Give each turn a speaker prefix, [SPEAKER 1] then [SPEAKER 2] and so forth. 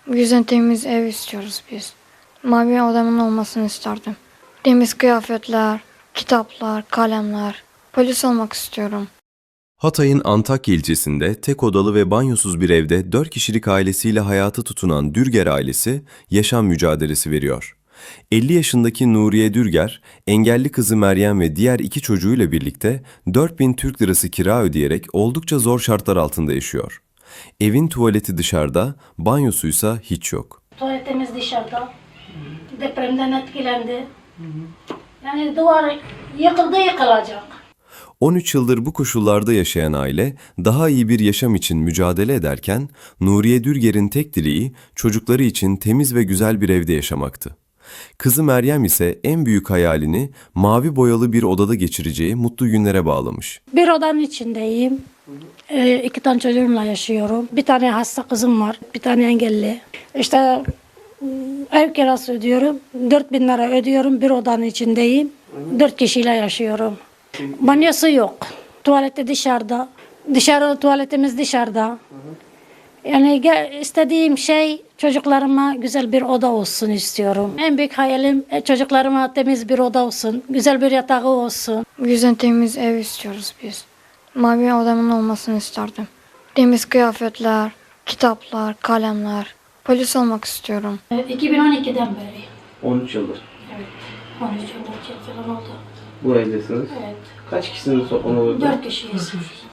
[SPEAKER 1] Bu yüzden temiz ev istiyoruz biz. Mavi odamın olmasını isterdim. Temiz kıyafetler, kitaplar, kalemler. Polis olmak istiyorum.
[SPEAKER 2] Hatay'ın Antakya ilçesinde tek odalı ve banyosuz bir evde 4 kişilik ailesiyle hayatı tutunan Dürger ailesi yaşam mücadelesi veriyor. 50 yaşındaki Nuriye Dürger, engelli kızı Meryem ve diğer 2 çocuğuyla birlikte 4.000 Türk lirası kira ödeyerek oldukça zor şartlar altında yaşıyor. Evin tuvaleti dışarıda, banyosuysa hiç yok.
[SPEAKER 3] Tuvaletimiz dışarıda. Depremden etkilendi. Yani duvar yıkıldı yıkılacak.
[SPEAKER 2] 13 yıldır bu koşullarda yaşayan aile daha iyi bir yaşam için mücadele ederken Nuriye Dürger'in tek dileği çocukları için temiz ve güzel bir evde yaşamaktı. Kızı Meryem ise en büyük hayalini mavi boyalı bir odada geçireceği mutlu günlere bağlamış.
[SPEAKER 3] Bir odanın içindeyim. 2 tane çocuğumla yaşıyorum. Bir tane hasta kızım var. Bir tane engelli. İşte ev kirası ödüyorum. 4.000 lira ödüyorum. Bir odanın içindeyim. 4 kişiyle yaşıyorum. Banyosu yok. Tuvaleti dışarıda. Tuvaletimiz dışarıda. Yani istediğim şey çocuklarıma güzel bir oda olsun istiyorum. En büyük hayalim çocuklarıma temiz bir oda olsun. Güzel bir yatağı olsun.
[SPEAKER 1] Bu yüzden temiz ev istiyoruz biz. Mavi odamın olmasını isterdim. Temiz kıyafetler, kitaplar, kalemler. Polis olmak istiyorum.
[SPEAKER 3] 2012'den beri.
[SPEAKER 4] 13 yıldır.
[SPEAKER 3] Evet. 13 yıldır falan oldu.
[SPEAKER 4] Bu evdesiniz.
[SPEAKER 3] Evet.
[SPEAKER 4] Kaç kişisiniz toplam olarak?
[SPEAKER 3] 4 kişiyiz.